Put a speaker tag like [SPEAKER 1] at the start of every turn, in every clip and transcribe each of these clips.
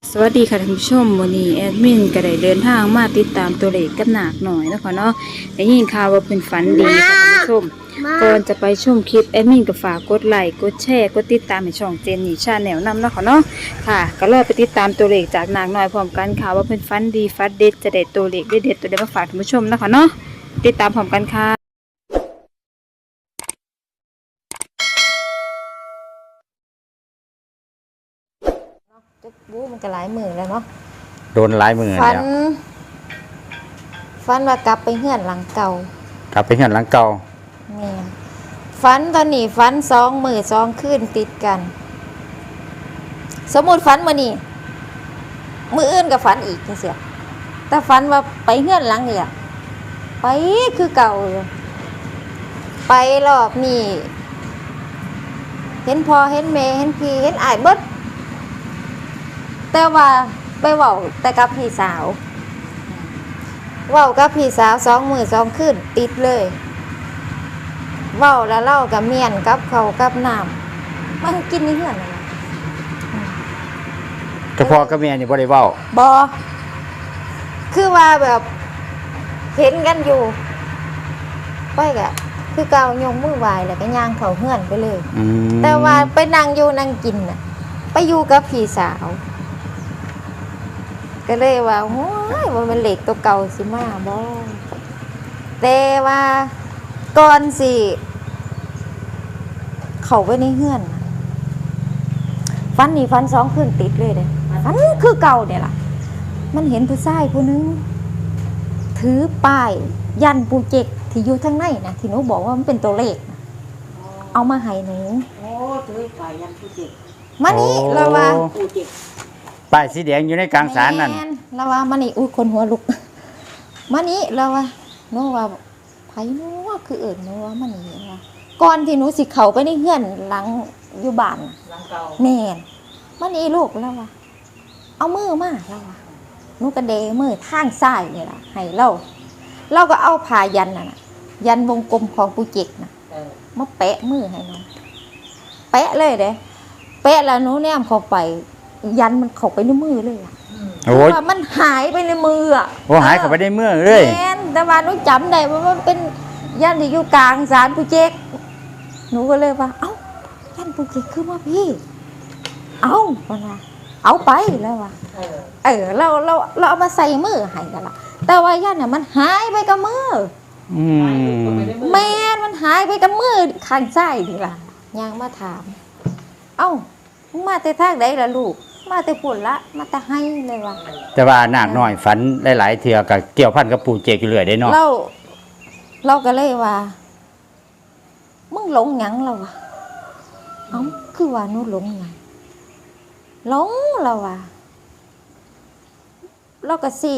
[SPEAKER 1] สวัสดีค่ะท่านผู้ชมวันนี้แอดมินก็ได้เดินทางมาติดตามตัวเลขกับหนักหน่อยนะคะเนาะได้ยินข่าวว่าเป็นฝันดีค่ะท่านผู้ชมก่อนจะไปชมคลิปแอดมินก็ฝากกดไลค์กดแชร์กดติดตามในช่องเจนนี่ชาแนลนำเนาะค่ะเนาะค่ะก็รอไปติดตามตัวเลขจากหนักหน่อยพร้อมกันค่ะว่าเป็นฝันดีฝันเด็ดจะได้ตัวเลขเด็ดตัวเด็ดมาฝากท่านผู้ชมนะคะเนาะติดตามพร้อมกันค่ะ
[SPEAKER 2] จุกบูมันก็หลายมือแล้วเนาะ
[SPEAKER 3] โดนหลายมือ
[SPEAKER 2] ฟัน
[SPEAKER 3] แล้ว
[SPEAKER 2] ฟันว่ากลับไปเฮือนหลังเก่าก
[SPEAKER 3] ลับไปเฮือนหลังเก่า
[SPEAKER 2] เนี่ยฟันตอนนี้ฟัน2 มื้อ2 คืนติดกัน สมมุติฟันมื้อนี้มื้ออื่นก็ฝันอีกจังซี่แต่ฟันว่าไปเฮือนหลังนี่ล่ะไปคือเก่าอยู่ไปรอบนี้เห็นพ่อเห็นแม่เห็นพี่เห็นอ้ายเบิดแต่ว่าไปเว้าแต่กับพี่สาวเว้ากับพี่สาว2 มื้อ2 คืนติดเลยเว้าแล้วเล่ากับเมียนกับเขาวกับน้ำมันกินในเฮือนนั่นล่ะ
[SPEAKER 3] เฉพาะกับเมียนี่บ่ได้เว้า
[SPEAKER 2] บ่คือว่าแบบเห็นกันอยู่ไปก็คือเก่ายกมือไหว้แล้วก็ย่างเข้าเฮือนไปเลยแต่ว่าไปนั่งอยู่นั่งกินน่ะไปอยู่กับพี่สาวก็เลยว่าโอ้ยมันเหล็กตัวเก่าสิมาบ่แต่ว่าก่อนสิเข้าไปในเฮือนฟันนี่ฟัน2 คืนติดเลยเด้ฟันคือเก่าเนี่ยล่ะมันเห็นผู้ชายผู้นึงถือป้ายยันปูเจกที่อยู่ทางในนะที่หนูบอกว่ามันเป็นตัวเลขนะเอามาให้หนู
[SPEAKER 4] โอ้ถือป้ายยันปูเจก
[SPEAKER 2] มานี่เราว่า
[SPEAKER 4] ปูเจก
[SPEAKER 3] ป้ายสีแดงอยู่ในกลางศาลนั่น
[SPEAKER 2] เราว่ามานี่อุ้ยคนหัวลุกมานี่เราว่าหนูว่าไผหนูว่าคือหนูว่ามานี่ว่าก่อนที่หนูสิเข้าไปในเฮือนหลังอยู่บ้าน
[SPEAKER 4] หลังเก่า
[SPEAKER 2] แม่นมานี่ลูกแล้วว่าเอามือมาแล้วว่าหนูกระเดมือทางซ้ายนี่ล่ะให้เราก็เอาผ้ายันน่ะยันวงกลมของปูเจกน่ะมาแปะมือให้น้องแปะเลยเด้แปะแล้วหนูแนมเข้าไปยันมันเข้าไปในมือเลยอ่ะ
[SPEAKER 3] โอ้ย
[SPEAKER 2] ว่ามันหายไปในมืออ่ะ
[SPEAKER 3] โอ้หายเข้าไปในมือเลย
[SPEAKER 2] แม่นแต่ว่าหนูจำได้ว่ามันเป็นยันที่อยู่กลางศาลปูเจกหนูก็เลยว่าเอ้ายันปูเจกคือว่าพี่เอ้าว่าเอาไปแล้วว่ะเราเอามาใส่มือให้กันละแต่ว่ายันเนี่ยมันหายไปกับมือแม่มันหายไปกับมือข้างซ้ายนี่ล่ะยางมาถามเอ้ามึงมาแต่ทางใดล่ะลูกมาแต่พุ่นละมาแต่ให้เลยว่ะ
[SPEAKER 3] แต่ว่านาคน้อยฝันหลายๆเทื่อก็เกี่ยวพันกับปู่เจกอยู่เรื่อยได้เนาะ
[SPEAKER 2] เราก็เลยว่ามึงหลงหยังเราวะเอ้าคือว่าหนูหลงหยังหลงเราว่ะเราก็สี่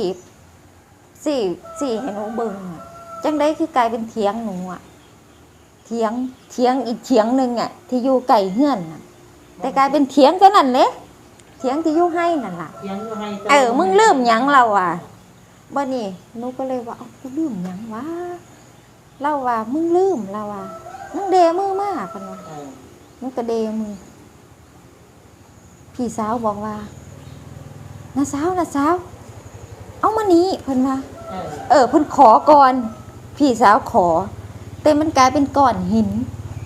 [SPEAKER 2] ให้หนูเบิ่งจังได้คือกลายเป็นเถียงหนูอ่ะเถียงอีกเถียงนึงอ่ะที่อยู่ไก่เฮือนน่ะแต่กลายเป็นเถียงตัวนั้นเลยเถียงที่อยู่ให้นั่นล่ะมึงลืมหยังเราอ่ะบ่นี่หนูก็เลยว่ากูลืมหยังวะเราว่ามึงลืมเราว่ามึงเดมือมากกันวะหนูก็เดมือพี่สาวบอกว่าน้าสาวเอามานี้เพิ่นว่าเพิ่นขอก่อนพี่สาวขอแต่มันกลายเป็นก้อนหิน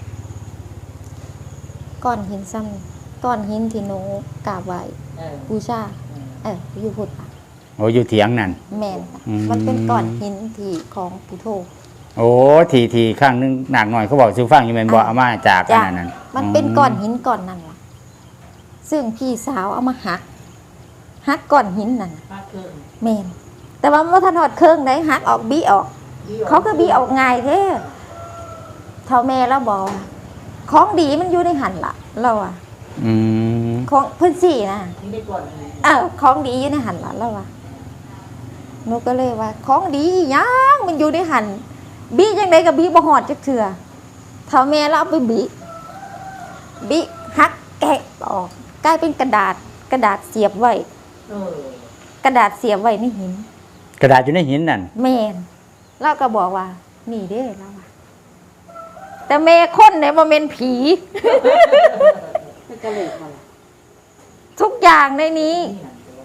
[SPEAKER 2] ซ้ำก้อนหินที่หนูกราบไหว้บูชาอยู่พุทธะ
[SPEAKER 3] โอ้อยู่เถียงนั่น
[SPEAKER 2] แม่นมันเป็นก้อนหินที่ของปู่โธ
[SPEAKER 3] โอ้ทีข้างนึงหนักหน่อยเขาบอกซื้อฟังอยู่แม่นบ่เอามาจากอันนั้น
[SPEAKER 2] มันเป็นก้อนหินก้อนนั้นล่ะซึ่งพี่สาวเอามาหักก้อนหินนั่นแม่นแต่ว่ามันบ่ทันฮอดเครื่องได้หักออกบี้ออกเขาก็บี้ออกง่ายแท้เท่าแม่แล้วบอกของดีมันอยู่ในหั่นล่ะเราอ่ะของเพิ่นสินะของดีอยู่ในหั่นล่ะเราอ่ะหนูก็เลยว่าของดีหยังมันอยู่ในหั่นบี้จังได๋ก็บี้บ่ฮอดจักเทื่อเท่าแม่แล้วเอาไปบี้หักแกะออกกลายเป็นกระดาษเสียบไว้กระดาษเสียบไว้ในหิน
[SPEAKER 3] กระดาษอยู่ในหินนั่น
[SPEAKER 2] แม่นเราก็บอกว่านี่เด้เราว่าแต่แม่คนเนี่ยบ่แม่นผีทุกอย่างในนี้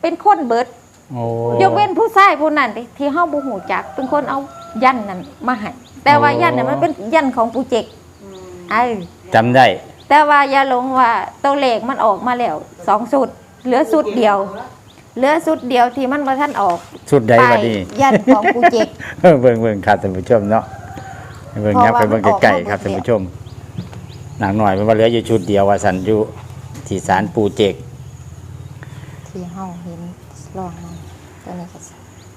[SPEAKER 2] เป็นคนเบิด
[SPEAKER 3] โอ้
[SPEAKER 2] ยกเว้นผู้ชายผู้นั้นที่เฮาบ่ฮู้จักเป็นคนเอายันนั้นมาให้แต่ว่ายันน่ะมันเป็นยันของปู่เจก
[SPEAKER 3] จำได้
[SPEAKER 2] แต่ว่าอย่าหลงว่าตัวเลขมันออกมาแล้ว2ชุดเหลือชุดเดียวที่มันบ่ทันออก
[SPEAKER 3] ชุดใดบัดนี้
[SPEAKER 2] ยันของปู่เจก
[SPEAKER 3] เบิ่งครับท่านผู้ชมเนาะเบิ่งยับไปเบิ่งไกลๆครับท่านผู้ชมหนักหน่อยมันว่าเหลืออยู่ชุดเดียวว่าสันอยู่ที่ศาลปู่เจก
[SPEAKER 2] ที่เฮาเห็นลองมาตัวนี้ก็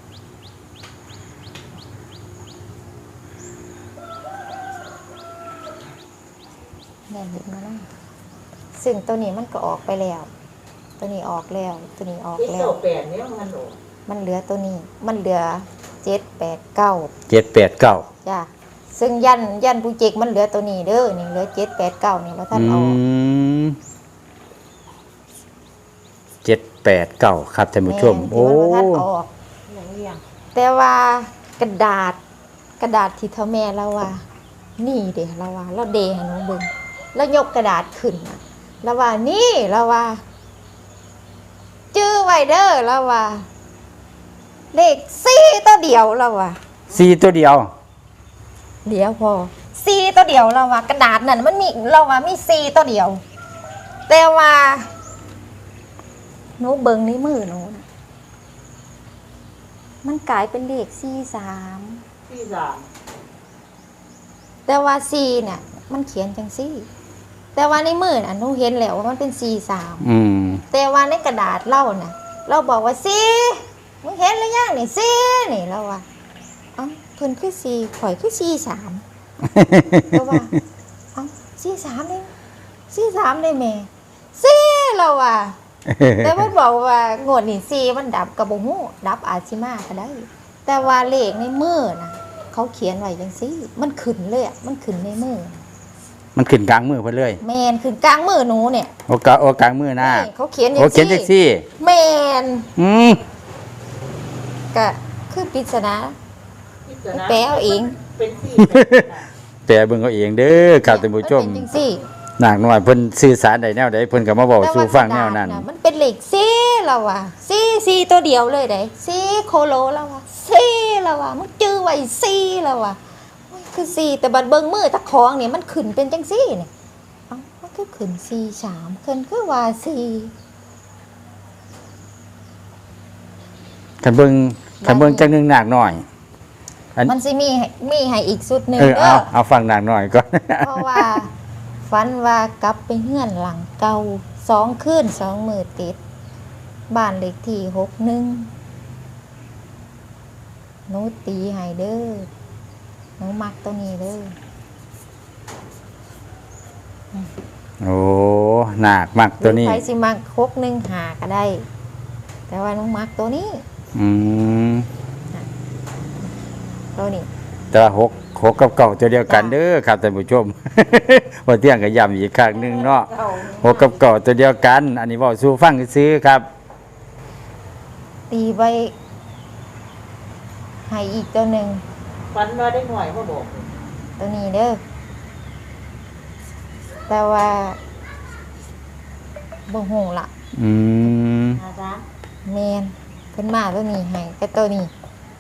[SPEAKER 2] ได้เห็นมาแล้วซึ่งตัวนี้มันก็ออกไปแล้ว ตัวนี้ออกแล้วตัวนี้ออก
[SPEAKER 4] ที่
[SPEAKER 2] แล้
[SPEAKER 4] โต
[SPEAKER 2] ว
[SPEAKER 4] แปดเนี่ยมันโด
[SPEAKER 2] มันเหลือตัวนี้มันเหลือ7 8 9
[SPEAKER 3] 789
[SPEAKER 2] จ้ะซึ่งยันปูเจกมันเหลือตัวนี้เด้อนี่เหลือ7 8 9นี่ว่าท่านเอา
[SPEAKER 3] 789ครับท่านผู้ชมโอ้
[SPEAKER 2] แม่นที่มันบ่ทันออก
[SPEAKER 4] อย่างนี้ยัง
[SPEAKER 2] แต่ว่ากระดาษที่เท่าแม่เราว่า นี่เด้เราว่าเราเดให้หนูเบิ่งแล้วยกกระดาษขึ้นน่ะเราว่านี่เราว่าจื้อไว้เด้อเราว่า เลข4ตัวเดียวเราว่า
[SPEAKER 3] 4ตัวเดียว
[SPEAKER 2] เดี๋ยวพอ4ตัวเดียวเราว่ากระดาษนั่นมันมีเราว่ามี4ตัวเดียว แต่ว่าหนูเบิ่งในมือหนูน่ะมันกลายเป็นเลข43
[SPEAKER 4] ที่สาม
[SPEAKER 2] แต่ว่า4เนี่ยมันเขียนจังซี่ แต่ว่าในมือน่ะหนูเห็นแล้วว่ามันเป็น43
[SPEAKER 3] อืม
[SPEAKER 2] แต่ว่าในกระดาษเราน่ะ เราบอกว่า4มึงเห็นหรือยังนี่4นี่เราว่าเอ้าเพิ่นคือ4ข่อยคือ43เราว่าเอ้า43นี่43ได้แม่4เราว่า แต่มันบอกว่างวดนี่4มันดับก็บ่ฮู้ดับอาจสิมาก็ได้ แต่ว่าเลขในมือน่ะเขาเขียนไว้จังซี่มันขึ้นเลยอ่ะมันขึ้นในมือ
[SPEAKER 3] มันขึ้นกลางมือเพิ่นเลย
[SPEAKER 2] แม่นขึ้นกลางมือหนูเนี่ย
[SPEAKER 3] โอกลางมือหน้า
[SPEAKER 2] นี่เขาเขียน
[SPEAKER 3] โอเขียนจังซี่
[SPEAKER 2] แม่น
[SPEAKER 3] อืม
[SPEAKER 2] ก็คือปริศนาแปลเอาเอง
[SPEAKER 4] เป็นสี่
[SPEAKER 3] แปลเบิ่งเอาเองเด้อครับท่านผู้ชม
[SPEAKER 2] นเป็นจังซี่
[SPEAKER 3] หนักหน่อยเพิ่นสื่อสารได้แนวใดเพิ่นก็มาบอกสู่ฟังแนวนั้น
[SPEAKER 2] มันเป็นเลข4แล้วว่ะ4ตัวเดียวเลยได้4โคโลแล้วว่ะ4แล้วว่ะมันจื้อไว้4แล้วว่ะโอ้ยคือ4แต่บัดเบิ่งมือตะของนี่มันขึ้นเป็นจังซี่นี่เอ้ามันคือขึ้น43ขึ้นคือว่า4
[SPEAKER 3] คันเบิ่งจังหนึงหนักหน่อย
[SPEAKER 2] มันสิมีให้อีกสุดหนึง
[SPEAKER 3] เอาฟังหนักหน่อยก่อน
[SPEAKER 2] เพราะว่าฝันว่ากลับไปเฮือนหลังเก่า2 คืน 2 มื้อติดบ้านเลขที่61หนูตีให้เด้อหนูมักตัวนี้เด้อ
[SPEAKER 3] โอ้หนักมากตัวนี้
[SPEAKER 2] ใครสิมัก615ก็ได้ แต่ว่าหนูมักตัวนี้
[SPEAKER 3] อืม
[SPEAKER 2] ตัวนี้
[SPEAKER 3] แต่ว่า6กับเก่าตัวเดียวกันเด้อครับท่านผู้ชม ว่าเที่ยงก็ย้ำอีกครั้งหนึงเนาะ6กับเก่าตัวเดียวกัน อันนี้เว้าสู่ฟังซื่อๆครับ
[SPEAKER 2] ตีไปให้อีกตัวหนึ่ง
[SPEAKER 4] ฟันมาได้หน่อยเขาบอก
[SPEAKER 2] ตัวนี้เด้อแต่ว่าบ่ฮู้ล่ะ
[SPEAKER 3] อืม
[SPEAKER 4] นะจ๊ะ
[SPEAKER 2] แม่นเพิ่นมาตัวนี้ให้แต่ตัวนี้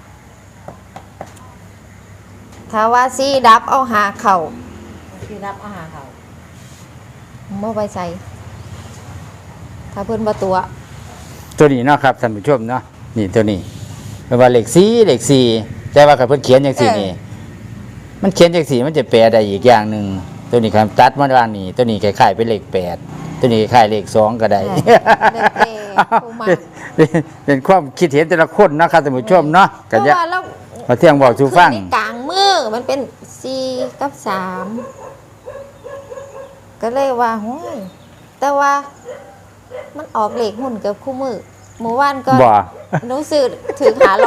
[SPEAKER 2] ถ้าว่าสีดับเอาหาเข่า
[SPEAKER 4] ที่รับอาหารเขา
[SPEAKER 2] บ่ไปใส่ถ้าเพิ่นบ่ตัว
[SPEAKER 3] ตัวนี้เนาะครับท่านผู้ชมเนาะนี่ตัวนี้เป็นว่าเลข4แต่ว่าคันเพิ่นเขียนจังซี่นี่มันเขียนจังซี่มันจะแปลได้อีกอย่างหนึงตัวนี้คันตัดมาด้านนี้ตัวนี้คล้ายๆเป็นเลข8ตัวนี้คล้ายเลข2ก็ได้ เป็นความคิดเห็นแต่ละคนนะครับท่านผู้ชมเนาะ
[SPEAKER 2] เพ
[SPEAKER 3] ก็
[SPEAKER 2] ราะ
[SPEAKER 3] จะ
[SPEAKER 2] ว่าเรา
[SPEAKER 3] มาเที่ยงบอกสู่ฟัง
[SPEAKER 2] ขึ้นในกลางมือมันเป็น4กับ3ก็เลยว่าโห้ยแต่ว่ามันออกเลขหุ่นกับคู่มือหมู่บ้านก็
[SPEAKER 3] บ่
[SPEAKER 2] หนูซื้อถือ500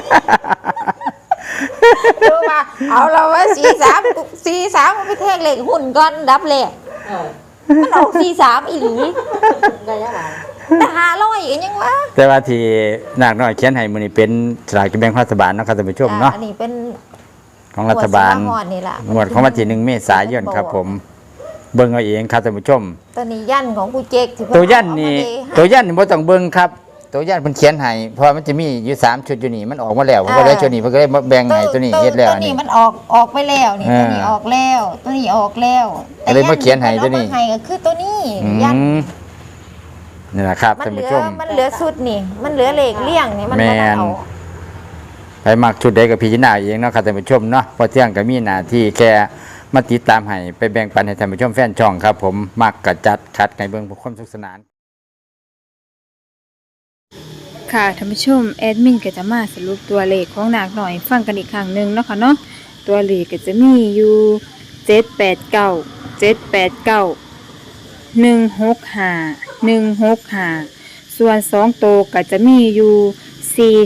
[SPEAKER 2] ดูว่าเอาเราว่า43มันไปแทงเลขหุ่นก่อนดับแรก มันออก43อีหลี
[SPEAKER 4] ได้ยังไง
[SPEAKER 2] แต่500อีกยังวะ
[SPEAKER 3] แต่ว่าที่นาคน้อยเขียนให้มื้อนี้เป็นสลากกินแบ่งรัฐบาลเนาะครับท่านผู้ชมเนาะ
[SPEAKER 2] อันนี้เป็น
[SPEAKER 3] ของรัฐบาล
[SPEAKER 2] หัวสิมาฮอดนี่ล่ะ
[SPEAKER 3] งวดของวันที่1เมษายนครับผม เบิ่งเอาเองครับท่านผู้ชม
[SPEAKER 2] ตัวนี้ยันของผู้เจกที่เพิ่
[SPEAKER 3] ตัวยันนี่
[SPEAKER 2] เอามาเดให้
[SPEAKER 3] ตัวยันนี่บ่ต้องเบิ่งครับตัวย่านเพิ่นเขียนให้เพราะว่ามันจะมีอยู่3ชุดอยู่นี่มันออกมาแล้วเพราะว่าได้ชุดนี้เพิ่นก็เลยมาแบ่งให้ตัวนี้เฮ็ดแล้ว
[SPEAKER 2] ตัวนี้มันออกไปแล้วนี่ตัวนี้ออกแล้วตัวนี้ออกแล้ว
[SPEAKER 3] ก็เลยมาเขียนให้ตัวนี้
[SPEAKER 2] เอามาให้ก็คือตัวนี้
[SPEAKER 3] อื
[SPEAKER 2] ยัน
[SPEAKER 3] มนี่แหละครับ
[SPEAKER 2] มัน
[SPEAKER 3] ท่าน
[SPEAKER 2] เหลื
[SPEAKER 3] ผู้
[SPEAKER 2] อ
[SPEAKER 3] ชม
[SPEAKER 2] มันเหลือสุดนี่ มันเหลือเลขเลี่ยงนี่มันบ่ได้เอา
[SPEAKER 3] ไปมักชุดใดก็พิจารณาเองเนาะครับท่านผู้ชมเนาะเพอเที่ยงก็มีหน้าที่แค่มาติดตามให้ไปแบ่งปันให้ท่านผู้ชมแฟนช่องครับ ผมมักกะจัดคัดในเบิ่งผู้คนสนุกสนาน
[SPEAKER 1] ค่ะท่านผู้ชมแอดมินก็จะมาสรุปตัวเลขของนาคหน่อยฟังกันอีกครั้งหนึงเนาะค่ะเนาะตัวเลขก็จะมีอยู่789 165ส่วน2ตัวก็จะมีอยู่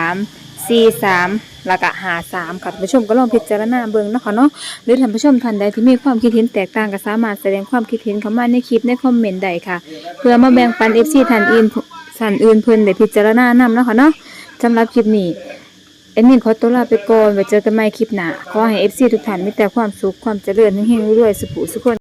[SPEAKER 1] 43แล้วก็53ค่ะท่านผู้ชมก็ลองพิจารณาเบิ่งเนาะค่ะเนาะหรือท่านผู้ชมท่านใดที่มีความคิดเห็นแตกต่างก็สามารถแสดงความคิดเห็นเข้ามาในคลิปในคอมเมนต์ได้ค่ะ เพื่อมาแบ่งปัน FC ท่านอื่นเพิ่นได้พิจารณานำเนาะค่ะเนาะสำหรับคลิปนี้แอดมินขอตัวลาไปก่อนไว้เจอกันใหม่คลิปหน้าขอให้ FC ทุกท่านมีแต่ความสุขความเจริญเฮงๆรวยๆสุขสุขคน